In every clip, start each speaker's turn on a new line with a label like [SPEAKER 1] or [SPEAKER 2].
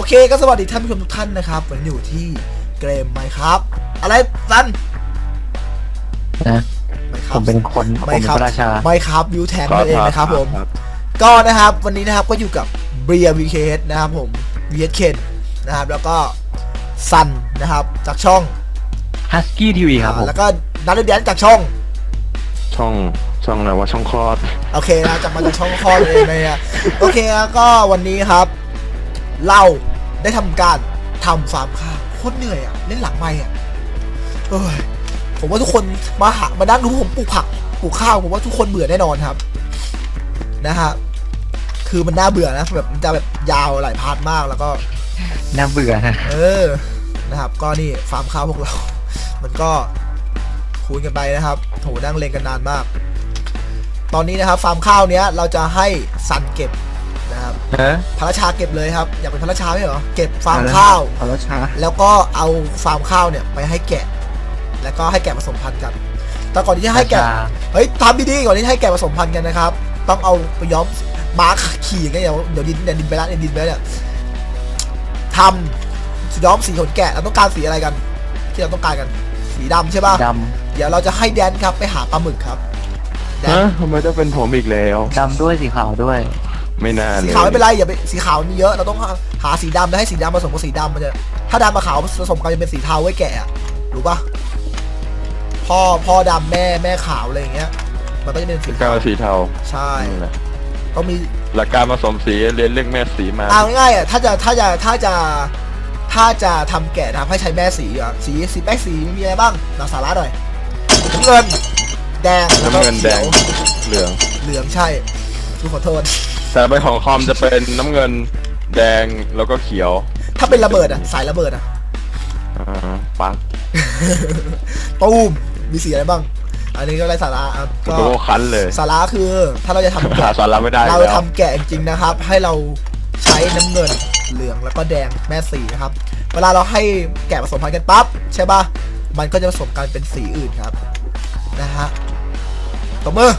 [SPEAKER 1] เคก็สวัสดีท่านผู้ชมทุกท่านนะครับวันนี้อยู่ที่เกมไหมครับอะไรซัน
[SPEAKER 2] นะผมเป็นคนผมเป็นพระราชา
[SPEAKER 1] ไม่ครับวิวแทงนั่นเองนะครับผมก็นะครับวันนี้นะครับก็อยู่กับเบียร์วีเคสนะครับผมวีเคนนะครับแล้วก็ซันนะครับจากช่อง
[SPEAKER 2] Husky TV ครับผม
[SPEAKER 1] แล้วก็นัดเดียนจากช่อง
[SPEAKER 3] อะไรวะช่องคลอด
[SPEAKER 1] โอเคนะจากมาจากช่องคลอดเองนะโอเคแล้วก็วันนี้ครับเราได้ทำการทำฟาร์มข้าวโคตรเหนื่อยอ่ะเล่นหลังไมค์อ่ะผมว่าทุกคนมานั่งดูผมปลูกผักปลูกข้าวผมว่าทุกคนเบื่อแน่นอนครับนะฮะคือมันน่าเบื่อนะแบบมันจะแบบยาวหลายพาร์ทมากแล้วก็
[SPEAKER 2] น่าเบื่อ
[SPEAKER 1] นะครับก็นี่ฟาร์มข้าวพวกเรามันก็คุยกันไปนะครับโถนั่งเล่นกันนานมากตอนนี้นะครับฟาร์มข้าวเนี้ยเราจะให้ซันเก็บนะครับพระราชาเก็บเลยครับอยากเป็นพระราชาไหมเหรอเก็บฟาร์มข้าว
[SPEAKER 2] พระราชา
[SPEAKER 1] แล้วก็เอาฟาร์มข้าวเนี่ยไปให้แกะแล้วก็ให้แกะผสมพันธุ์กันแต่ก่อนที่จะให้แกะเฮ้ยทำดีๆก่อนที่จะให้แกะผสมพันธุ์กันนะครับต้องเอาไปย้อมม้าขี่อย่างเงี้ยเดี๋ยวดินไปแล้วดินไปแล้วเนี่ยทำย้อมสีขนแกะเราต้องการสีอะไรกันที่เราต้องการกันสีดำใช่ป่ะ
[SPEAKER 2] ด
[SPEAKER 1] ำเดี๋ยวเราจะให้แดนครับไปหาปลาหมึกครับ
[SPEAKER 3] ทำไมต้องเป็นผมอีกแล้ว
[SPEAKER 2] ดำด้วยสีขาวด้วย
[SPEAKER 3] ไม่น่าเลย
[SPEAKER 1] สีขาวไม่เป็นไรอย่าไปสีขาวมีเยอะเราต้องหาสีดำแล้วให้สีดำผสมกับสีดำมันจะถ้าดำกับขาวผสมกันจะเป็นสีเทาไว้แกะรู้ป่ะพ่อดำแม่ขาวอะไรอย่างเงี้ยมันก็จะเป็นสี
[SPEAKER 3] เทา
[SPEAKER 1] ใช่ต้องมี
[SPEAKER 3] หลักการผสมสีเรียนเรื่องแม่สีมา
[SPEAKER 1] เอาง่ายๆอ่ะถ้าจะทำแกะทำให้ใช้แม่สีอ่ะสีแป้งสีมีอะไรบ้างหนักสาระหน่อยน้ำเงินแดงแล้วก็เขียว
[SPEAKER 3] เหลือง
[SPEAKER 1] ใช่ขอโทษ
[SPEAKER 3] แต่ใบของคอมจะเป็นน้ำเงินแดงแล้วก็เขียว
[SPEAKER 1] ถ้าเป็นระเบิดอ่ะสายระเบิดอ่ะ
[SPEAKER 3] ปัง
[SPEAKER 1] ตูมมีสีอะไรบ้างอันนี้ก็ไรสาระ
[SPEAKER 3] ก็คันเลย
[SPEAKER 1] สาระคือถ้าเราจะทำ
[SPEAKER 3] สาระไม่ได้
[SPEAKER 1] เราทำแกะจริงนะครับให้เราใช้น้ำเงินเหลืองแล้วก็แดงแม่สีนะครับเวลาเราให้แกะผสมพันธุ์กันปั๊บใช่ป่ะมันก็จะผสมกันเป็นสีอื่นครับนะฮะตบมือ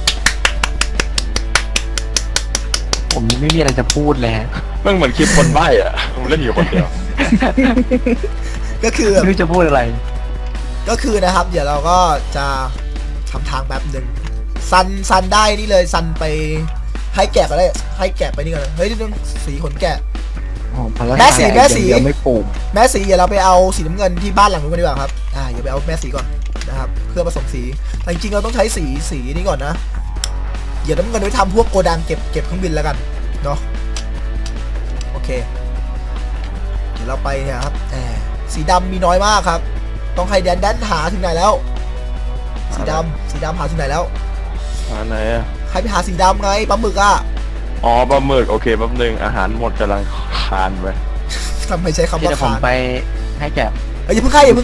[SPEAKER 2] ผมไม่มีอะไรจะพูดเลย
[SPEAKER 3] มันเหมือนคลิปคนใบ้อะผมเล่นอยู่คนเดียว
[SPEAKER 1] ก็คือ
[SPEAKER 2] ไม่รู้จะพูดอะไร
[SPEAKER 1] ก็คือนะครับเดี๋ยวเราก็จะทำทางแบบหนึ่งซันได้นี่เลยซันไปให้แกะก็ได้ให้แกะไปนี่ก่อนเฮ้ยเรื่องสีขนแกะแม่สี
[SPEAKER 2] ไม่ปลูก
[SPEAKER 1] แม่สีเดี๋ยวเราไปเอาสีน้ำเงินที่บ้านหลังนู้นกันดีกว่าครับอย่าไปเอาแม่สีก่อนนะครับเพื่อผสมสีแต่จริงๆเราต้องใช้สีนี้ก่อนนะเดี๋ยวน้ำเงินไว้ทำพวกโกดังเก็บเครื่องบินแล้วกันเนาะโอเคเดี๋ยวเราไปเนี่ยครับสีดำมีน้อยมากครับต้องให้แดนหาถึงไหนแล้วสีดำหาถึงไหนแล้ว
[SPEAKER 3] หาไหนอะ
[SPEAKER 1] ใครไปหาสีดำไงปลาหมึกอ่ะ
[SPEAKER 3] อ๋อปลาหมึกโอเคแป๊บนึงอาหารหมดกำลังคานไป
[SPEAKER 1] ทำไมใช้คำว่า
[SPEAKER 2] คานไปให้แกะ
[SPEAKER 1] อย่าเพิ่งให้ไป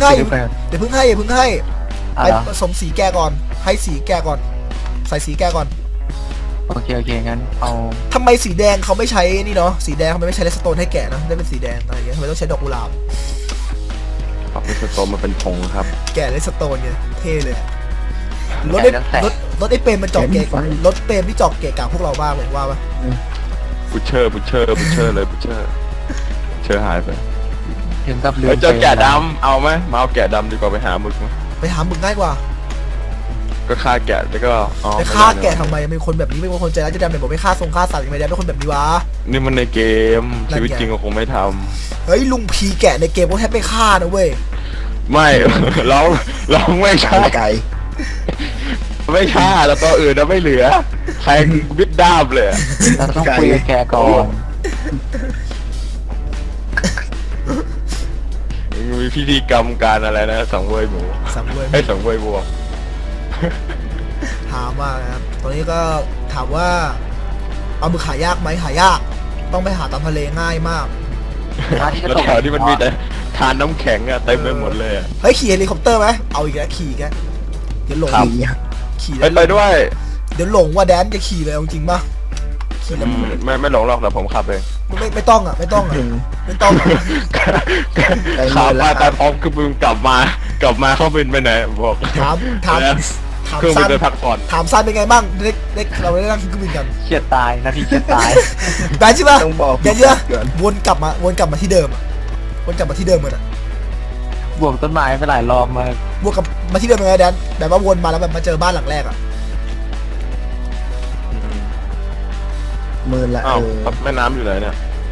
[SPEAKER 1] ผสมสีแกก่อนให้สีแกก่อนใส่สีแกก่อน
[SPEAKER 2] โอเคงั้นเอา
[SPEAKER 1] ทำไมสีแดงเขาไม่ใช้นี่เนาะสีแดงเขาไม่ใช้เลสโตนให้แกะนะได้เป็นสีแดงอะไรอย่างเงี้ยทำไมต้องใช้ดอกกุหลาบ
[SPEAKER 3] เลสโตนมาเป็นธงครับ
[SPEAKER 1] แกะเลสโตนไงเท่เลยรถไอ้เปรมมันจอกเกะรถเปรมที่จอกเกะกลางพวกเราบ้างเลยว่าปะ
[SPEAKER 3] บุชเชอร์เลยบุชเชอร์หายไป
[SPEAKER 2] ถึงกับเรือ
[SPEAKER 3] เจอแกะดำเอาไหมมาเอาแกะดำดีกว่าไปหาหมึกไหม
[SPEAKER 1] ไปหาหมึกง่ายกว่า
[SPEAKER 3] ก็ฆ่าแกะแล้วก็
[SPEAKER 1] ไปฆ่าแกะทำไมเป็นคนแบบนี้เป็นคนใจร้ายจะดำแบบบอกไปฆ่าฆ่าสัตว์ยังไงเป็นคนแบบนี้วะ
[SPEAKER 3] นี่มันในเกมชีวิตจริงก็คงไม่ท
[SPEAKER 1] ำเฮ้ยลุงพีแกะในเกมก็แทบไม่ฆ่านะเว้ย
[SPEAKER 3] ไม่เราไม่ฆ่าไก่ไม่ฆ่าแล้วตัวอื่นเราไม่เหลือแทงวิดด้ามเลย
[SPEAKER 2] เราต้องคุยกับแกก่อน
[SPEAKER 3] มีพิธีกรรมการอะไรนะสังเวยหมูสังเวยวัว
[SPEAKER 1] ถามว่าครับตอนนี้ก็ถามว่าเอามือหายากไหมหายากต้องไปหาตามทะเลง่ายมาก
[SPEAKER 3] แล้วแถวที่มันมีแต่ทานน้ำแข็งอะเต็มไปหมดเลย
[SPEAKER 1] เฮ้ยขี่เฮลิคอปเตอร์ไหมเอาอีกแล้วขี่แกเดี๋ยวหลงขี่
[SPEAKER 3] ไปด้วย
[SPEAKER 1] เดี๋ยวหลงว่าแดนจะขี่เลยจริงป่ะขี่แล้ว
[SPEAKER 3] ไม่หลงหรอกแต่ผมขับเอง
[SPEAKER 1] ไม่ต้องไม่ต้อง
[SPEAKER 3] ขับมาแต่พร้อมคือมึงกลับมาเข้าบินไปไหนบอก
[SPEAKER 1] ถามถาม
[SPEAKER 3] เครื่องบิ
[SPEAKER 1] สั้
[SPEAKER 3] น
[SPEAKER 1] น
[SPEAKER 3] ไปพักผ่อน
[SPEAKER 1] ถามสั้นเป็นไงบ้างเด็กเราได้นั่งเครื่องบินกัน
[SPEAKER 2] เครียดตายนาทีเครียดตาย
[SPEAKER 1] แบนใช่ปะ
[SPEAKER 4] ต้องบอก
[SPEAKER 1] แบนใช่ปะ
[SPEAKER 4] ก่อน
[SPEAKER 1] วนกลับมาที่เดิมอะวนกลับมาที่เดิมเลยอะ
[SPEAKER 2] บวกต้นไม้ไปหลายรอบมาก
[SPEAKER 1] วนกลับมาที่เดิมเลยนะแดนแบบว่าวนมาแล้วแบบมาเจอบ้านหลังแรกอะ
[SPEAKER 4] มือละ
[SPEAKER 3] อ้าวแม่น้ำอยู่ไหนเนี่ย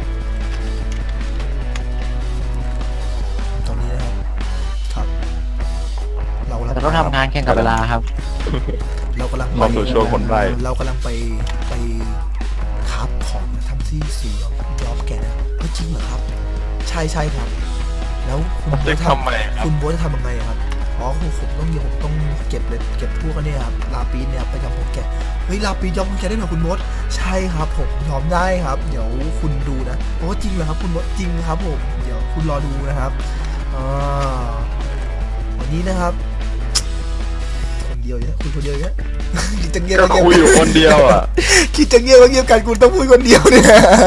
[SPEAKER 1] ตอนนี้นะครับเรากำลัง
[SPEAKER 2] แต่ต้องทำงานแข่งกับเวลาครับ
[SPEAKER 1] เรากำลัง
[SPEAKER 3] เข้าสู่ช่วงคนไร้
[SPEAKER 1] เรากำลังไปครับของทำที่สียอมแกนะจริงเหรอครับ ใช่ครับ แล้วคุณโบ๊
[SPEAKER 3] จะ
[SPEAKER 1] ท
[SPEAKER 3] ทำไมครับ
[SPEAKER 1] คุณโบ๊ทจะทำยังไงครับอ๋อผมต้องเก็บเลยเก็บพวกอันนี้ครับลาปีนเนี่ยไปยอมผมแกะเฮ้ยลาปีนยอมผมแกะได้เหรอคุณโบ๊ทใช่ครับผมยอมได้ครับ เดี๋ยวคุณดูนะโอ้จริงเหรอครับคุณโบ๊ทจริงครับผมเดี๋ยวคุณรอดูนะครับวันนี้นะครับคนเดียวเนี่ยคุยคนเดียวเนี่ย คิดจะเงียบ
[SPEAKER 3] ก็คุยอยู่คนเดียวอ่ะ
[SPEAKER 1] คิดจะเงียบกันคุณต้องพูดคนเดียวเนี่ย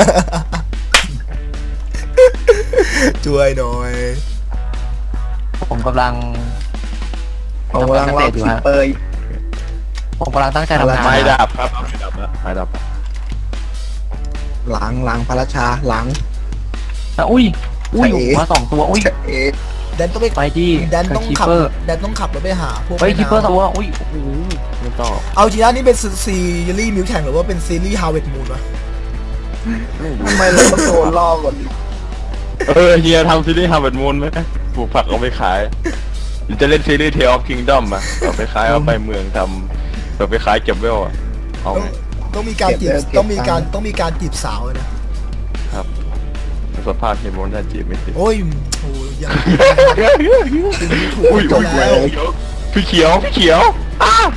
[SPEAKER 1] ช่วยหน่อย
[SPEAKER 2] ผมกำลัง
[SPEAKER 4] ผมกำลังรอ
[SPEAKER 2] อยู่
[SPEAKER 4] คิป
[SPEAKER 2] ฮะ
[SPEAKER 4] เปอร์
[SPEAKER 2] ผมกำลังตั้งใจทำงาน
[SPEAKER 3] ไม้ดับครับไม้ดับแล้วไม้ดับ
[SPEAKER 4] หลังพระราชาหลัง
[SPEAKER 2] อุ้ย
[SPEAKER 4] ใช่
[SPEAKER 2] มา2 ตัวอุ้ย
[SPEAKER 4] เอ๊ะ
[SPEAKER 1] แดนต้องไป
[SPEAKER 2] ไปดิ
[SPEAKER 1] แดนต้อง
[SPEAKER 2] คี
[SPEAKER 1] ขับ
[SPEAKER 2] เปอร์
[SPEAKER 1] แดนต้องขับรถไปหาพวก
[SPEAKER 2] เฮ้ย
[SPEAKER 1] แม่
[SPEAKER 2] คีเปอร์
[SPEAKER 1] น้ำ
[SPEAKER 2] ตัวอุ้ยโอ้โหไม่ต่อ
[SPEAKER 1] เอาจริงนะนี่เป็นซีรีส์มิวแข่งหรือว่าเป็นซีรีส์ฮาวเวิร์ดมูนวะ
[SPEAKER 4] ทำไมเราต้องโดนล่อก่อนดิ
[SPEAKER 3] เฮียทำซีรีส์ฮาร์วาร์ดมูนไหมปลูกผักเอาไปขายหรือจะเล่นซีรีส์เทลออฟคิงดอมอ่ะเอาไปขายเอาไปเมืองทำเอาไปขายเก็บเวลอ่ะเอา
[SPEAKER 1] ต้องมีการจีบต้องมีการจีบสาวเลยนะครับ
[SPEAKER 3] สภาพเฮียโมนน่าจีบไม่ติด
[SPEAKER 1] โอ้ยโอ้ยยังถูก
[SPEAKER 3] อุ้ย
[SPEAKER 1] จบแล้ว
[SPEAKER 3] พี่เขียวอ้าว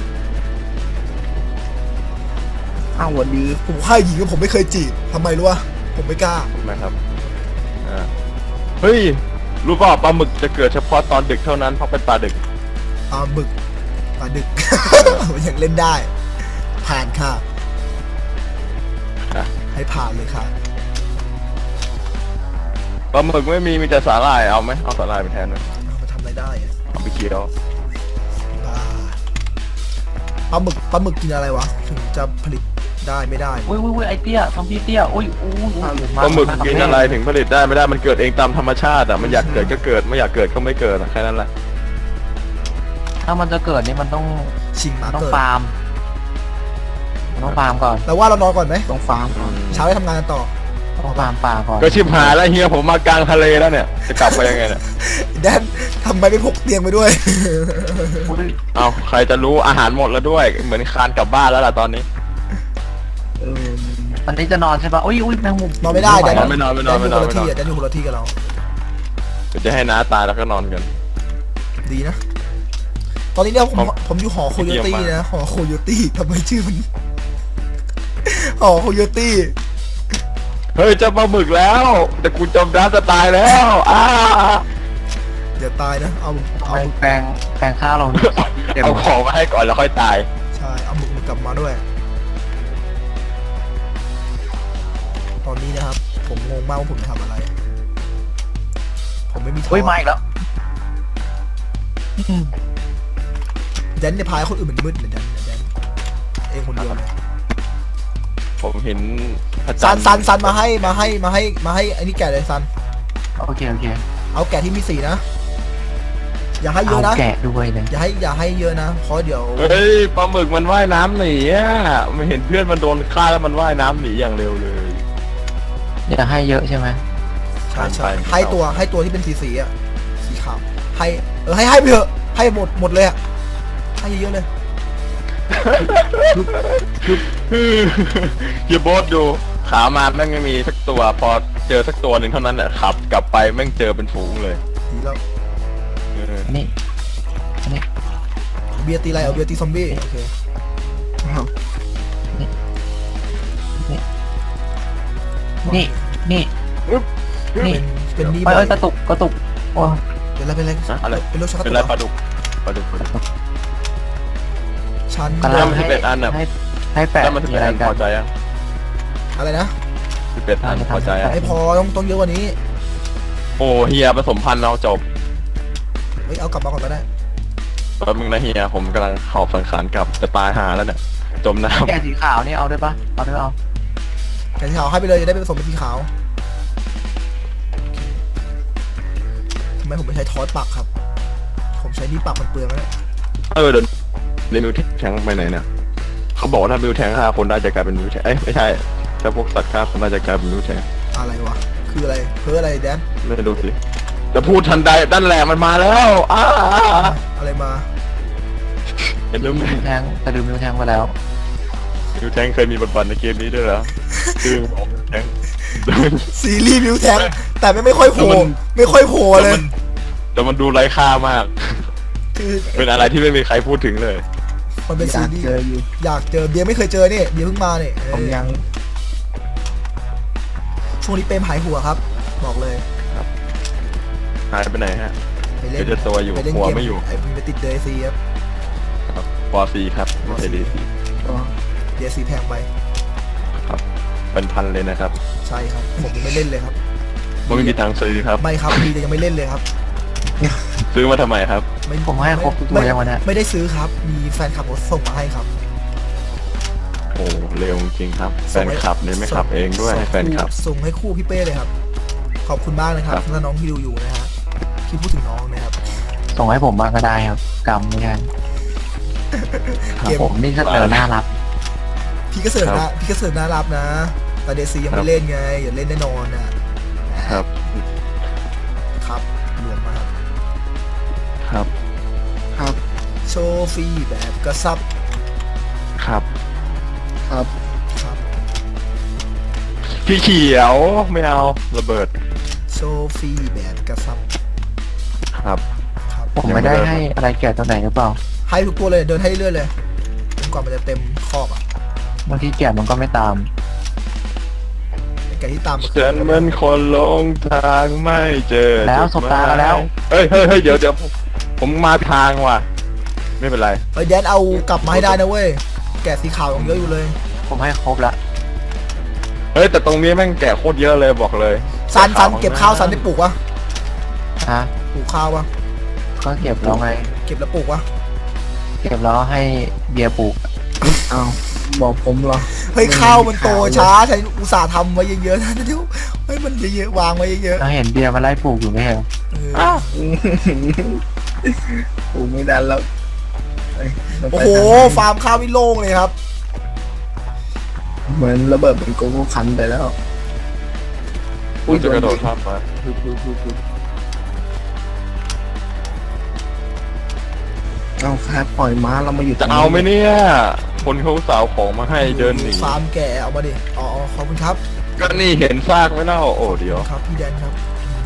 [SPEAKER 4] อ้าววันนี้
[SPEAKER 1] ผมค่ายหญิงก็ผมไม่เคยจีบทำไมรู้วะผมไม่กล้า
[SPEAKER 3] ทำไมครับเฮ้ยรู้เปล่าปลาหมึกจะเกิดเฉพาะตอนดึกเท่านั้นเพราะเป็นปลาดึก
[SPEAKER 1] หมึกปลาดึก ยังเล่นได้ ผ่านค่ะ
[SPEAKER 3] อ่ะ
[SPEAKER 1] ให้ผ่านเลยค่ะ
[SPEAKER 3] ปลาหมึกไม่มีแต่สาหร่ายเอาไหมเอาสาหร่ายไปแทนไหม
[SPEAKER 1] เอามาทำอะไรได้อะ
[SPEAKER 3] เอาไปเคี้ยว
[SPEAKER 1] บ้าปลาหมึกกินอะไรวะถึงจะผลิตได้ไม่ได้
[SPEAKER 2] อุ้ยไอเตี้ยซอมบี้เตี้ยอุ้ย
[SPEAKER 3] ปลาหมึกกินอะไรถึงผลิตได้ไม่ได้มันเกิดเองตามธรรมชาติอ่ะมันอยากเกิดก็เกิดไม่อยากเกิดก็ไม่เกิดอะแค่นั้นแหละ
[SPEAKER 2] ถ้ามันจะเกิดนี่มันต้อง
[SPEAKER 1] ชิงมา
[SPEAKER 2] ต้อง
[SPEAKER 1] เกิด
[SPEAKER 2] ฟาร์มต้องฟาร์มก่อน
[SPEAKER 1] แต่ว่าเรานอนก่อนไหม
[SPEAKER 4] ต้องฟาร์ม
[SPEAKER 1] เช้าได้ทำงานกันต่อ
[SPEAKER 2] ต้องฟาร์มป่าก่อน
[SPEAKER 3] ก็ชิบหายแล้วเฮียผมมากลางทะเลแล้วเนี่ยจะกลับไปยังไงเนี่ย
[SPEAKER 1] แดนทำไมไม่พกเตียงไปด้วย
[SPEAKER 3] เอาใครจะรู้อาหารหมดแล้วด้วยเหมือนคานกลับบ้านแล้วล่ะตอนนี้
[SPEAKER 4] เออ
[SPEAKER 2] ตอนนี้จะนอนใช่ปะอุ้ยแมงมุม
[SPEAKER 1] นอนไม่ได้แดน
[SPEAKER 3] ไม่นอน
[SPEAKER 1] แดนอยู่คนละที่อะแดนอยู่คนละที่กับเรา
[SPEAKER 3] เดี๋ยวจะให้น้าตายแล้วก็นอนกัน
[SPEAKER 1] ดีนะ ตอนนี้เนี่ย
[SPEAKER 3] ผม
[SPEAKER 1] ผมอยู่หอโคโยตี้
[SPEAKER 3] เยี่ยมมาก
[SPEAKER 1] นะหอโคโยตี้ทำไมชื่อมัน หอโคโยตี้
[SPEAKER 3] เฮ้ยเจะปลาหมึกแล้วแต่กูจมน้ำจะตายแล้ว
[SPEAKER 1] เดี๋ยวตายนะเอา
[SPEAKER 2] แปลงข้าวเรา
[SPEAKER 3] เอาของมาให้ก่อนแล้วค่อยตาย
[SPEAKER 1] ใช่เอาหมึกกลับมาด้วย ตอนนี้นะครับ ผมงงมากว่าผมจะทำอะไร ผมไม่มีท้อ
[SPEAKER 2] อุ้ยมาอีกแล้ว
[SPEAKER 1] แดนเนี่ยพายคนอื่นมันมืดเลยแดนเองคนเดียวเลย
[SPEAKER 3] ผมเห็นพระ
[SPEAKER 1] ซั
[SPEAKER 3] จั
[SPEAKER 1] น
[SPEAKER 3] นทร์
[SPEAKER 1] ซันมาให้ไอ้นี่แกะเลยซัน
[SPEAKER 2] โอเค
[SPEAKER 1] เอาแกะที่มีสีนะ อย่าให้เย
[SPEAKER 2] เอา
[SPEAKER 1] อะนะ
[SPEAKER 2] แกะด้วยเลย
[SPEAKER 1] อย่าให้เยอะนะ เพราะเดี๋ยว
[SPEAKER 3] เฮ้ยปลาหมึกมันว่ายน้ำหนีอ่ะไม่เห็นเพื่อนมันโดนฆ่าแล้วมันว่ายน้ำหนีอย่างเร็วเลย
[SPEAKER 2] อย่าให้เยอะใช่ไหม
[SPEAKER 1] ใช่
[SPEAKER 3] ไป
[SPEAKER 1] ให้ตัวที่เป็นสีอ่ะ สีขาว ให้ให้ไปเถอะ ให้หมดเลยอ่ะ ให้เยอะๆเลย
[SPEAKER 3] อย่าโบสดูขามาแม่งไม่มีสักตัวพอเจอสักตัวหนึ่งเท่านั้นแหละขับ กลับไปแม่งเจอเป็นฝูงเลย
[SPEAKER 1] ดีแล้ว
[SPEAKER 2] อันนี้
[SPEAKER 1] เบียร์ตีอะไรเอาเบียร์ตีซอมบี้ โอเค
[SPEAKER 4] อ้าว
[SPEAKER 2] นี่ นี่
[SPEAKER 1] เป็นนี่
[SPEAKER 2] ไป
[SPEAKER 1] บ่อย
[SPEAKER 2] กระตุกโอ้
[SPEAKER 1] เป็นอะไร
[SPEAKER 3] อะไร
[SPEAKER 1] เป็นโรคชักกระ
[SPEAKER 3] เป็น
[SPEAKER 1] ตุ
[SPEAKER 3] ไร
[SPEAKER 1] ก
[SPEAKER 3] ปลาดุก
[SPEAKER 1] ฉัน
[SPEAKER 2] กำลัง
[SPEAKER 3] มัน11อันน่ะ
[SPEAKER 2] ให้แปะ
[SPEAKER 3] แล้วมันจะ
[SPEAKER 2] มี
[SPEAKER 3] เป็น
[SPEAKER 2] อะไร
[SPEAKER 3] อัน
[SPEAKER 2] กั
[SPEAKER 3] พอน ใจอ่ะ
[SPEAKER 1] อะไรนะ
[SPEAKER 3] 11อันพอใจอ่ะ
[SPEAKER 1] ไม่พอต้องเยอะกว่านี้
[SPEAKER 3] โอ้เฮียผสมพันธุ์เราจบ
[SPEAKER 1] เฮ้ยเอากลับมาก่อนก็ได้
[SPEAKER 3] แป๊บนึงนะเฮียผมกำลังหอบสังขารกลับจะตายหาแล้วเนี่ยจมน้
[SPEAKER 2] แกะสีขาวนี่เอาได้ปะเอาได้เอา
[SPEAKER 1] แกะสีขาวให้ไปเลยจะได้ไปผสมเป็นสีขาวทำไมผมไม่ใช้ทอสปักครับ ผมใช้นี่ปักมันเปลืองแล้วเนี่ย
[SPEAKER 3] ำเดี๋ยวเรมิวแทงไปไหนเนี่ยเขาบอกว่าถ้ามิวแทง5 คนได้จะกลายเป็นมิวแทงไม่ใช่ถ้าพวกสัตว์ฆ่าคนได้จะกลายเป็นมิวแทง
[SPEAKER 1] อะไรวะคืออะไรเพื่ออะไรแดน
[SPEAKER 3] ไม่ดูสิจะพูดทันใดด้านแหลมันมาแล้ว
[SPEAKER 1] อะไรมา
[SPEAKER 3] เห็นไหม
[SPEAKER 2] มิวแทงแต่ลืมมิวแทงไปแล้ว
[SPEAKER 3] มิวแทงเคยมีบทบาทในเกมนี้ด้วยเหรอคือบอกมิวแทง
[SPEAKER 1] ซีรีส์มิวแทงแต่ไม่ค่อยโผล่ไม่ค่อยโผล่เลย
[SPEAKER 3] แต่มันดูไร้ค่ามาก
[SPEAKER 1] คือ
[SPEAKER 3] เป็นอะไรที่ไม่มีใครพูดถึงเลย
[SPEAKER 1] มันเป็น
[SPEAKER 4] อ
[SPEAKER 1] ซี
[SPEAKER 4] ยาก
[SPEAKER 1] รีส์
[SPEAKER 4] เจออยู่
[SPEAKER 1] อยากเจอเบียร์ไม่เคยเจอนี่เบียร์เพิ่งมาเนี่ย
[SPEAKER 4] ผมยัง
[SPEAKER 1] ช่วงนี้เปรมหายหัวครับ บอกเลย
[SPEAKER 3] หายไปไหนฮะ
[SPEAKER 1] ไปเล่น
[SPEAKER 3] เดี๋ยวจะตัวอยู่
[SPEAKER 1] ไปเล่น
[SPEAKER 3] หัว
[SPEAKER 1] เกม
[SPEAKER 3] ไม่อยู่
[SPEAKER 1] ไอ้ไปติดเดซีครับ
[SPEAKER 3] ปอซีครับไม่ใช่ดีซี
[SPEAKER 4] ก็
[SPEAKER 1] เดซีแพงไป
[SPEAKER 3] ครับเป็นพันเลยนะครับ
[SPEAKER 1] ใช่ครับผมยังไม่เล่นเลยครับ
[SPEAKER 3] ไม่มีตังค์ซื้อครับ
[SPEAKER 1] ไม่ครับมีแต่ยังไม่เล่นเลยครับ
[SPEAKER 3] ซื้อมาทำไมครับ
[SPEAKER 1] ไม่
[SPEAKER 2] ผมให้ครบทุกตัวยังวันนี้
[SPEAKER 1] ไม่ได้ซื้อครับ มีแฟนคลับเขาส่งมาให้ครับ
[SPEAKER 3] โอ้เร็วจริงๆครับแฟนคลับเนี่ยไม่ขับเองด้วยให้แฟนคลับ
[SPEAKER 1] ส่งให้คู่พี่เป้เลยครับ ขอบคุณมากนะครับ
[SPEAKER 3] ครับ
[SPEAKER 1] ถ้าน้องที่ดูอยู่นะฮะที่พูดถึงน้องนะครับ
[SPEAKER 2] ส่งให้ผมบ้างก็ได้ครับกำไม่ใช่
[SPEAKER 1] เกม
[SPEAKER 2] ผมนี่เสนอหน้ารับ
[SPEAKER 1] พี่ก็เสิร์ฟนะพี่ก็เสิร์ฟน่ารับนะแต่เดซียังไม่เล่นไงอย่าเล่นแน่นอนนะครับ ครับรวมมาครับ
[SPEAKER 3] ครับ
[SPEAKER 4] ครับ
[SPEAKER 1] โชว์ฟรีแบบกระซับ
[SPEAKER 3] ครับ
[SPEAKER 4] ครับ
[SPEAKER 1] ครับ
[SPEAKER 3] พี่เขียวไม่เอาระเบิด
[SPEAKER 1] โชว์ฟรีแบบกระซับ
[SPEAKER 3] ครับ
[SPEAKER 1] ครับ
[SPEAKER 2] ผมไม่ได้ให้อะไรแกะตัวไหนหรือเปล่า
[SPEAKER 1] ให้ทุกตัวเลยเดินให้เรื่อยเลยจนกว่ามันจะเต็มคอกอ่ะ
[SPEAKER 2] บางทีแกะมันก็ไม่ตาม
[SPEAKER 1] ไอ้แกที่ตามมา
[SPEAKER 3] ฉันเหมือนคนหลงทางไม่เจอ
[SPEAKER 2] แล้วสบตาแล้ว
[SPEAKER 3] เฮ้ยเดี๋ยวผมมาทางว่ะไม่เป็นไร
[SPEAKER 1] เฮ้ยแดนเอากลับมาให้ได้นะเว้ยแกะสีขาวยังเยอะอยู่เลย
[SPEAKER 2] ผมให้ครบละ
[SPEAKER 3] เฮ้ยแต่ตรงนี้แม่งแกะโคตรเยอะเลยบอกเลย
[SPEAKER 1] ซันเก็บข้าวซันได้ปลูกวะ
[SPEAKER 2] ฮะ
[SPEAKER 1] ปลูกข้าววะ
[SPEAKER 2] ก็เก็บแล้วไง
[SPEAKER 1] เก็บแล้วปลูกวะ
[SPEAKER 2] เก็บแล้วให้เบียร์ปลูก
[SPEAKER 4] เอาบอกผมเหรอ
[SPEAKER 1] เฮ้ยข้าวมันโตช้าฉันอุตส่าห์ทำไว้เยอะๆนะเดี๋ยวเฮ้ยมันเยอะๆวางไว้เยอะ
[SPEAKER 2] เราเห็นเบียร์มาไล่ปลูกอยู่ไม่ใช่เหรอ
[SPEAKER 1] ๆเออ
[SPEAKER 4] ผมไม่ดันแล้วเอ้ยเรา
[SPEAKER 1] โอ้
[SPEAKER 4] ไป
[SPEAKER 1] โห
[SPEAKER 4] ทางนี้
[SPEAKER 1] ฟาร์มข้าวไม่โล่งเลยครับ
[SPEAKER 4] เหมือนระเบิดเป็นโกโก้คันไปแล้ว
[SPEAKER 3] พูดจะกระโดดข้ามมา
[SPEAKER 4] เอาแค่ปล่อยม้าเรามาอยู่
[SPEAKER 3] จะเอาไหมเนี่ย คนเขาสาวของมาให้เดินหนี
[SPEAKER 1] ฟาร์มแก่เอามาดิอ๋อขอบคุณครับ
[SPEAKER 3] ก็นี่เห็นซากไหมเล่าโอ้เดี๋ยว
[SPEAKER 1] ครับพี่แดนครับ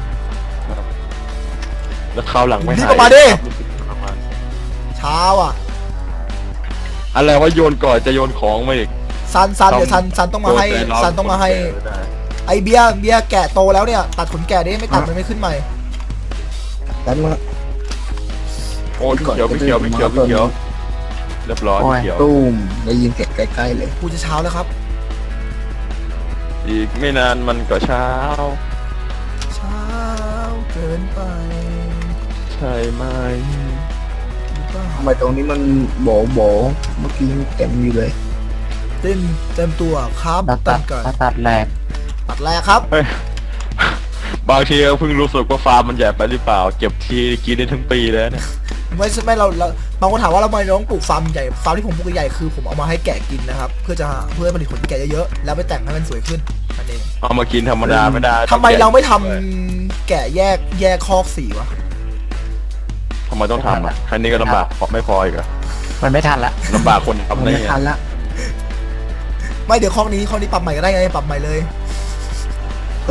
[SPEAKER 3] แล้วคราวหลังไม่
[SPEAKER 1] รีบ
[SPEAKER 3] หาย
[SPEAKER 1] ออกมาดิ
[SPEAKER 3] ครับรู้สึกประมาณ
[SPEAKER 1] ช้าว่ะ
[SPEAKER 3] อะไรว่าโยนก่อนจะโยนของมาอีก
[SPEAKER 1] ซันเดี๋ยวซันต้องมาให้
[SPEAKER 3] โดนใจร้
[SPEAKER 1] ซันต้องมาให้
[SPEAKER 3] คนแก่ไม่ได้
[SPEAKER 1] ไอเบียร์แกะโตแล้วเนี่ยตัดขนแกะดิไม่ตัดมันไม่ขึ้นใหม่
[SPEAKER 4] ดันมา
[SPEAKER 3] โอ้พี่เขียวเรียบร้อยพี่เขียว
[SPEAKER 4] ตุ้มได้ยินเสียงใกล้ๆเลย
[SPEAKER 1] กูจะเช้าแล้วครับ
[SPEAKER 3] อีกไม่นานมันก็เช้า
[SPEAKER 1] เช้าเกินไป
[SPEAKER 3] ใช่ไหม
[SPEAKER 1] หรือเปล่า
[SPEAKER 4] ทำไมตรงนี้มันโบเมื่อกี้ยังเต็มอยู่เลย
[SPEAKER 1] เต็มตัวครับ
[SPEAKER 2] แล้ว
[SPEAKER 1] ตั
[SPEAKER 2] ตั
[SPEAKER 1] ด
[SPEAKER 2] ด
[SPEAKER 1] ก่อน
[SPEAKER 2] ตัดแหลก
[SPEAKER 1] ตัดแรกครับ
[SPEAKER 3] เฮ้ยบางทีก็เพิ่งรู้สึกว่าฟาร์มมันใหญ่ไปหรือเปล่า เก็บทีกินได้ทั้งปีแล้วเนี่ย
[SPEAKER 1] ไม่เราบางคนถามว่าเราทำไมเราต้องปลูกฟาร์มใหญ่ฟาร์มที่ผมปลูกใหญ่คือผมเอามาให้แกะกินนะครับเพื่อให้ผลิตขนแกะเยอะๆแล้วไปแต่งให้มันสวยขึ้นนั่นเอง
[SPEAKER 3] เอามากินธรรมดาไม่ได้
[SPEAKER 1] ทำไมเราไม่ทำแกะแยกคอกสีวะ
[SPEAKER 3] ทำไมต้องทำอ่ะแค่นี้ก็ลำบากไม่พออีกเหรอ
[SPEAKER 2] มันไม่ทันละ
[SPEAKER 3] ลำบากคนทำ
[SPEAKER 4] มัน
[SPEAKER 3] ได้
[SPEAKER 4] ไม่
[SPEAKER 3] ไง
[SPEAKER 4] ทันละ
[SPEAKER 1] ไม่เดี๋ยวคอกนี้ปรับใหม่ก็ได้ไงปรับใหม่เลย
[SPEAKER 4] ก็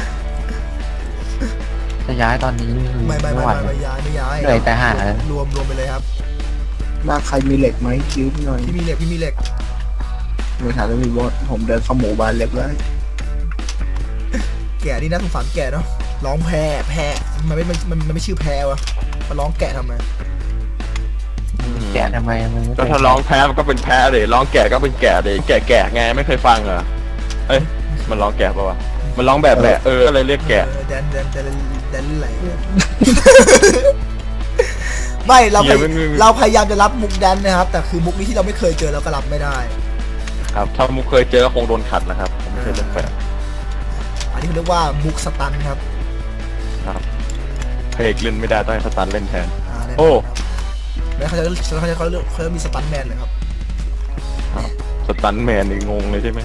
[SPEAKER 2] จะย้ายตอนนี้คือ
[SPEAKER 1] ไม่
[SPEAKER 2] ไหว
[SPEAKER 1] ย้าย
[SPEAKER 2] เหนื่อยแต่หาแล้ว
[SPEAKER 1] รวมไปเลยครับ
[SPEAKER 4] บ้านใครมีเหล็กไหมยืมหน่อย
[SPEAKER 1] พี่มีเหล็ก
[SPEAKER 4] ไม่ทันแล้วมีบอสผมเดินเข้าหมู่บ้านเล็กเลย
[SPEAKER 1] แกะนี่น่าสงสารแกะเนาะร้องแพะมันไม่ชื่อแพะวะมาร้องแกะทำไม
[SPEAKER 2] แกะทำไมมันไม่
[SPEAKER 3] ก็ถ้าร้องแพ้มันก็เป็นแพ้เลยร้องแก่ก็เป็นแก่เลยแก่ไงไม่เคยฟังเหรอเอ้ยมันร้องแก่ปะวะมันร้องแบบอะไรเรียกแก่
[SPEAKER 1] แดนอะไรเนี่ย ไไม่เรา
[SPEAKER 3] เหี้ยไม่
[SPEAKER 1] เราพยายามจะรับมุกแดนนะครับ แต่คือมุกนี้ที่เราไม่เคยเจอเราก็รับไม่ได้
[SPEAKER 3] ครับถ้ามุกเคยเจอก็คงโดนขัดนะครับผมไม่เคยเล่นแปลก
[SPEAKER 1] อันนี้เขาเรียกว่ามุกสตันครับ
[SPEAKER 3] ครับเพลกเล่นไม่ได้ต้องให้สตันเล่นแทน
[SPEAKER 1] แน่นน
[SPEAKER 3] โอ้
[SPEAKER 1] แล้วเขาจะมีสตันแมนเลยครับ
[SPEAKER 3] สตันแมนนี่งงเลยใช่ไหม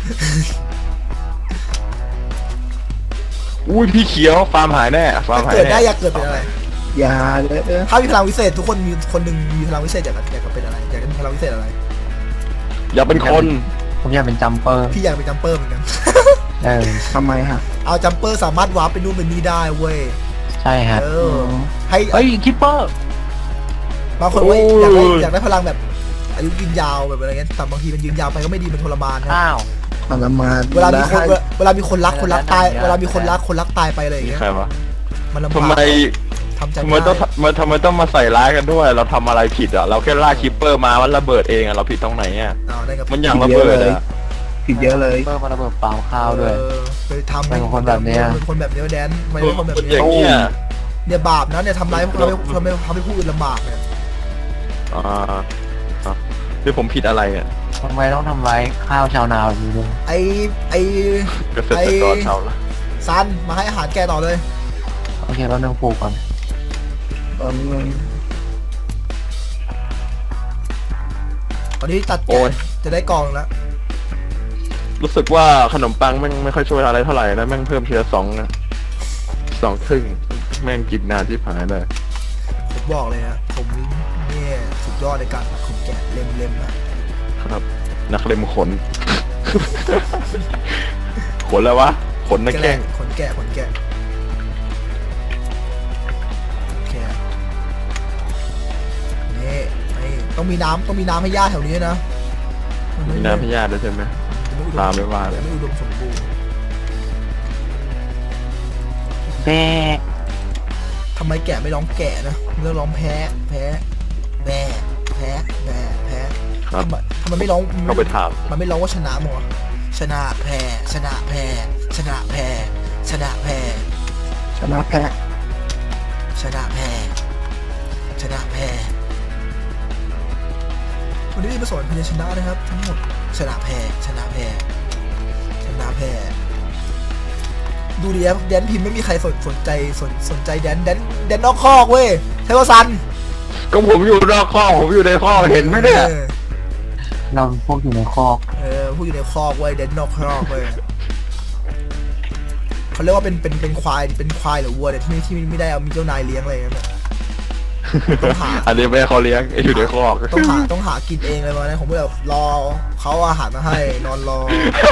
[SPEAKER 3] อุ้ยพี่เขียวฟาร์มหายแน่ฟาร์มหาย
[SPEAKER 1] เกิด
[SPEAKER 3] แน่
[SPEAKER 1] ได้อยากเกิดเป็นอะไร
[SPEAKER 4] อย่าเลย
[SPEAKER 1] ถ้ามีพลังวิเศษทุกคนมีคนหนึ่งมีพลังวิเศษอยากเป็นอะไรอยากมีพลังวิเศษอะไร
[SPEAKER 3] อย่าเป็นคน
[SPEAKER 2] ผมอยากเป็นจัมเปอร์
[SPEAKER 1] พี่อยากเป็นจัมเปอร์เหมือนกัน
[SPEAKER 4] ทำไมฮะ
[SPEAKER 1] เอาจัมเปอร์สามารถวาร์ปไปนู่นไปนี่ได้เว้ย
[SPEAKER 2] ใช่ฮะ
[SPEAKER 1] เออให้
[SPEAKER 2] เฮ้ยคิปเปอร์
[SPEAKER 1] บางคนว่าอยากได้พลังแบบอายุยืนยาวแบบอะไรเงี้ยแต่บางทีมันยืนยาวไปก็ไม่ดีมันทรมานนะ
[SPEAKER 2] อ้าว
[SPEAKER 4] ทรมาน
[SPEAKER 1] เวลามีคนรักตายเวลามีคนรักตายไปอะไรอย่าง
[SPEAKER 3] นี่
[SPEAKER 1] เงี้ย
[SPEAKER 3] ใครวะ
[SPEAKER 1] มันลำบาก
[SPEAKER 3] ทำไม
[SPEAKER 1] ทำใจ
[SPEAKER 3] ทำไม
[SPEAKER 1] ไม่
[SPEAKER 3] ต้อง
[SPEAKER 1] ได้
[SPEAKER 3] ทำไมต้องมาใส่ร้ายกันด้วย เราทำอะไรผิดอ่ะเราแค่ล่าคิปเปอร์มามันระเบิดเองอ่ะเราผิดตรงไหนอ่ะ
[SPEAKER 1] เอาได้กับ
[SPEAKER 3] มันอย่างระเบิดอ่ะ
[SPEAKER 4] ผิดเยอะเลย
[SPEAKER 2] เปอร์มาระเบิดเปล่าข้าวด้วย
[SPEAKER 1] ไปทำ
[SPEAKER 2] เป็นคนแบบเนี้ย
[SPEAKER 1] เป็นคนแบบเนี้ยแดนไม่ใช่คนแบบ
[SPEAKER 3] อ
[SPEAKER 1] เนี้ย
[SPEAKER 3] ย่างเงี้ย
[SPEAKER 1] เนี่ยบาปนะเนี่ยทำร้ายทำให้ผู้อื่นลำบากเนี่ย
[SPEAKER 3] อ่าที่ผมผิดอะไรอ่ะ
[SPEAKER 2] ทำไมต้องทำร้ายข้าวชาวนาแบบนี้ด้วย
[SPEAKER 1] ไอ
[SPEAKER 3] เกษตรกรชาวละ
[SPEAKER 1] ซันมาให้อาหารแกต่อเลย
[SPEAKER 2] โอเคเราเรื่องปลูกก่อน
[SPEAKER 1] ตอนนี้ตัดแกะจะได้กองแล้ว
[SPEAKER 3] รู้สึกว่าขนมปังแม่งไม่ค่อยช่วยอะไรเท่าไหร่นะแม่งเพิ่มทีละ2นะ2 ครึ่งแม่งกินนานที่ผายเลย
[SPEAKER 1] ผมบอกเลยฮะผมเนี่ยสุดยอดในการตัดขนแกะเล็มๆนะครับ
[SPEAKER 3] นักเล็มขน ขนแล้ววะขนนักแข้ง
[SPEAKER 1] ขนแกะโอเคนี่ต้องมีน้ำให้ย่าแถวนี้นะ
[SPEAKER 3] มีน้ำพยาธิด้วยใช่ไหมตามไม่ว่าเลย
[SPEAKER 1] ไม่อุดมสมบูรณ์
[SPEAKER 2] แม่
[SPEAKER 1] ทำไมแกะไม่ร้องแกะนะมันต้องร้องแพ้แพ้แพ้แพ้แพ้แพ้
[SPEAKER 3] ครับ
[SPEAKER 1] ทำไมไม่ร้อง
[SPEAKER 3] ก็ไปถาม
[SPEAKER 1] มันไม่ร้องว่าชนะมั้งวะชนะแพ้ชนะแพ้ชนะแพ้ชนะแพ้
[SPEAKER 4] ชนะแพ้
[SPEAKER 1] ชนะแพ้ชนะแพ้วันนี้มาสอนพยัญชนะนะครับ ทั้งหมดชนะแพ้ชนะแพ้ชนะแพ้ดูดิครับแดนพิมพ์ไม่มีใครสนใจแดนนอกคอกเว้ยใช่ป่ะซัน
[SPEAKER 3] ก็ผมอยู่นอกข้อกผมอยู่ในข้อกเห็นไหมเนี่ย
[SPEAKER 2] เราพวกอยู่ในคอก
[SPEAKER 1] ผู้อยู่ในคอกเว้ยแดนนอกคอกเว้ยเขาเรียกว่าเป็นควายหรือวัวเนี่ยที่ไม่ได้เอามีเจ้านายเลี้ยงอะไรอย่างเงี้ยต้องหา
[SPEAKER 3] อันนี้ไม่ให้เขาเลี้ยงอยู่ในข้อก
[SPEAKER 1] ต้องหากินเองเลยวันนั้นผมก็แบบรอเขาเอาอาหารมาให้นอนรอ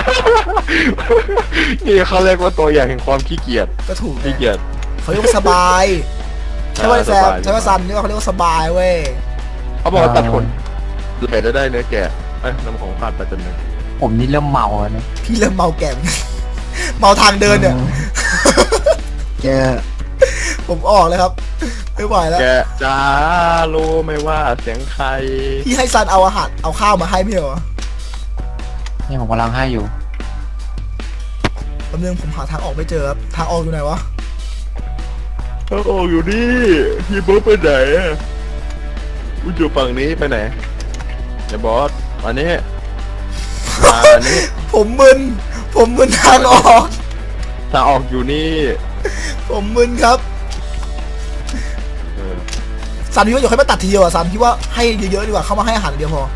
[SPEAKER 3] นี่เขาเรียกว่าตัวอย่างแห่งความขี้เกียจ
[SPEAKER 1] ก็ถูก
[SPEAKER 3] ขี้เกียจ
[SPEAKER 1] เขาเรียกว่าสบายใช่ป่ะแซมใช่ป่ะซันนี่ว่าเขาเรียกว่าสบายเว้ย
[SPEAKER 3] เขาบอกว่าตัดขนเหลือได้เนื้อแกะน้ำของขาดไปจนหนึ่ง
[SPEAKER 2] ผมนี่เริ่มเมาแล้วนะ
[SPEAKER 1] พี่เริ่มเมาแก่ เมาทางเดินเนี่ย
[SPEAKER 4] แก
[SPEAKER 1] ผมออกเลยครับไม่ไหวแล้ว
[SPEAKER 3] แกะจ้ารู้ไหมว่าเสียงใคร
[SPEAKER 1] พี่ให้ซันเอาอาหารเอาข้าวมาให้ไม่เหรอ
[SPEAKER 2] นี่ผมกำลังให้อยู่
[SPEAKER 1] แป๊บนึงผมหาทางออกไม่เจอครับทางออกอยู่ไหนวะ
[SPEAKER 3] โอ้อยู่นี่พี่บ๊อบไปไหนกูอยู่ฝั่งนี้ไปไหนไอ้บอสอันนี้อันนี้
[SPEAKER 1] ผมมึนทางออก
[SPEAKER 3] ทางออกอยู่นี่
[SPEAKER 1] ผมมึนครับ
[SPEAKER 3] เออ
[SPEAKER 1] ซันพี่ว่าอย่าค่อยมาตัดทีเดียวอ่ะซันพี่ว่าให้เยอะๆดีกว่าเข้ามาให้อาหารเดียวพอ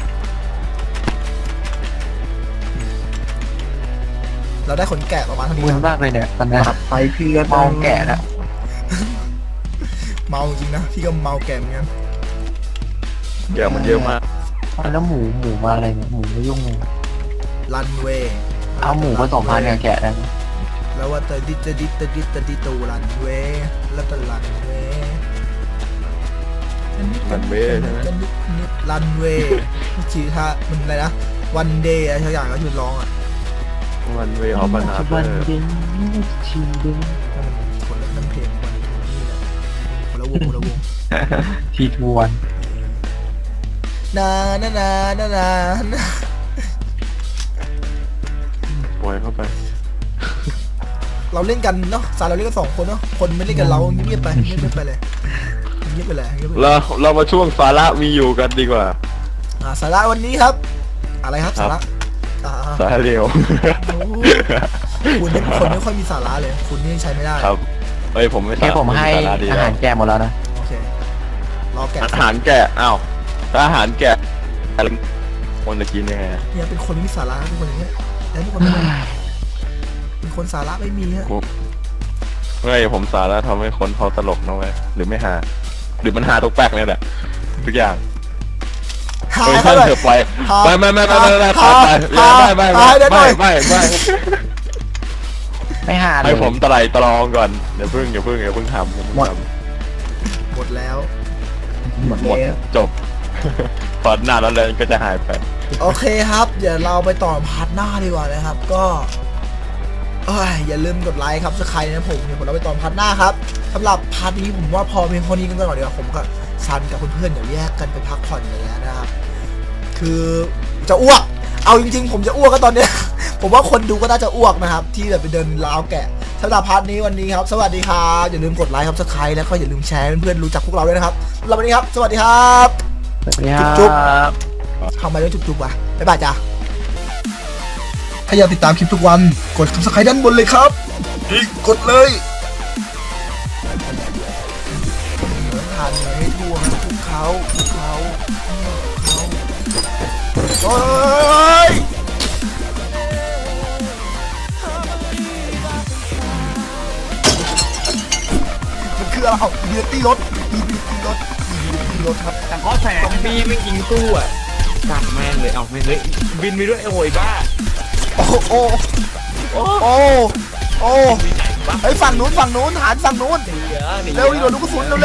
[SPEAKER 1] เราได้ขนแกะประมาณเท่านี้
[SPEAKER 2] มึน
[SPEAKER 1] ครับ
[SPEAKER 2] มากเลยเนี่ยตอนนี้
[SPEAKER 4] ตัดไปพี่ก็
[SPEAKER 2] เมาแก่แล้ว
[SPEAKER 1] เมาจริงนะพี่ก็เมาแก่เหมือนกัน
[SPEAKER 3] แกะมันเยอะมาก
[SPEAKER 2] แล้วหมูมาอะไรเนี่ยหมูไม่ยุ่งเลย
[SPEAKER 1] รันเวย์
[SPEAKER 2] เอาหมูผสมพันธุ์กับแกะได้ไหม
[SPEAKER 1] แล้วว่าตะดิตูรันเวย์แล้วก็รันเวย์
[SPEAKER 3] รันเวย์ใช่ไหม
[SPEAKER 1] รันเวย์ชื่อท่ามันอะไรนะวันเดย์อะไรสักอย่างก็หยุดร้องอ่ะ
[SPEAKER 3] วันเวออฟบานา
[SPEAKER 2] วันเย็นชินเดน
[SPEAKER 1] คนละนั่นเพลงวันนี้แหละคนละวง
[SPEAKER 2] ทีทวน
[SPEAKER 1] นา
[SPEAKER 3] ปล่อยเข้าไป
[SPEAKER 1] เราเล่นกันเนาะสารเราเล่นกัน2 คนเนาะคนไม่เล่นกันเราเงียบไปเลยเงียบไปเลยเงียบไปเลย
[SPEAKER 3] เรามาช่วงสาระมีอยู่กันดีกว่า
[SPEAKER 1] สาระวันนี้ครับ อะไรครับ
[SPEAKER 3] ครั
[SPEAKER 1] สา
[SPEAKER 3] บ
[SPEAKER 1] ระอ่า
[SPEAKER 3] สาระเร็ว
[SPEAKER 1] โอ้คุณเป็นคนไม่ค่อยมีสาระเลย คุณนี่ใช้ไม่ได้
[SPEAKER 3] ครับเอ้ยผมไม่
[SPEAKER 2] แค่ผมให้
[SPEAKER 3] สาระดี
[SPEAKER 2] อา
[SPEAKER 3] แล้
[SPEAKER 2] หาว รแกะหมดแล้วนะ
[SPEAKER 1] โอเครอแกะ
[SPEAKER 3] อาหารแกะอ้าวถ้าอาหารแกะคนจะกินยังไง
[SPEAKER 1] เนี่ยเป็นคนไม่มีสาระเป็นคนอย่างเงี้ยแล้วเป็นคนไม่เป็นคนสาระไม่มีฮะ
[SPEAKER 3] เฮ้ยผมสาระทำให้คนเขาตลกนะเว้ยหรือไม่หาหรือมันหาตกแปลกเนี่ยแหละทุกอย่าง
[SPEAKER 1] หา
[SPEAKER 3] เฮ้ย
[SPEAKER 1] เขา
[SPEAKER 3] ท่าน
[SPEAKER 1] เลย
[SPEAKER 3] เถอะไป
[SPEAKER 1] หา
[SPEAKER 3] ไม่ไม่ไม่ไม่ไม่ไม่
[SPEAKER 1] หา
[SPEAKER 3] ไม่
[SPEAKER 1] หา
[SPEAKER 3] ไม่ไม่
[SPEAKER 1] หาได้หน่
[SPEAKER 3] ไม่
[SPEAKER 1] อย
[SPEAKER 3] ไม่ไม่ไม่
[SPEAKER 2] ไม่หาเลย
[SPEAKER 3] ให้ผมตรองก่อนอย่าเพิ่งทำ
[SPEAKER 1] หมดแล้ว
[SPEAKER 2] หมด
[SPEAKER 3] หมด
[SPEAKER 2] แล้ว
[SPEAKER 3] จบพอหน้าแล้วเลยก็จะหายไป
[SPEAKER 1] โอเคครับ เดี๋ยวเราไปต่อพาร์ทหน้าดีกว่านะครับ ก็อย่าลืมกดไลค์ครับสักใครนะผมเดี๋ยวผมเราไปต่อพาร์ทหน้าครับสำหรับพาร์ทนี้ผมว่าพอเพียงเท่านี้กันก่อนดีกว่าผมกับซันกับเพื่อนๆเดี๋ยวแยกกันไปพักผ่อนอย่างเงี้ยนะครับ คือจะอ้วก เอาจริงๆ ผมจะอ้วกก็ตอนเนี้ย ผมว่าคนดูก็น่าจะอ้วกนะครับ ที่แบบไปเดินราวแกะสำหรับพาร์ทนี้วันนี้ครับ สวัสดีครับอย่าลืมกดไลค์ครับสักใครแล้วก็อย่าลืมแชร์ให้เพื่อนๆรู้จักพวกเราด้วยนะครับสำหรับวันนี้ครับสวัสดีครับ
[SPEAKER 2] สวัสดีครับ
[SPEAKER 1] จุ๊บ ทำไมต้องจุ๊บๆวะบ๊ายบายจ้าถ้าอยากติดตามคลิปทุกวันกด subscribe ด้านบนเลยครับกดเลยทานเลยให้ทั่วครับทุกเขาโอ้ยมันคืออะไรเบียร์ตี้รถครับ
[SPEAKER 5] แต่ข้อแสงบีไม่ยิงตู้อ่ะกัดแม่งเลยเอาแม่งเลยบินไปด้วยไอ้โวยบ้า
[SPEAKER 1] โอ้ไอ้ฝั่งนู้นฐานฝั่งนู้น
[SPEAKER 5] หนีเหรอหนี
[SPEAKER 1] เร็วดิโดนลูกกระสุนเร็ว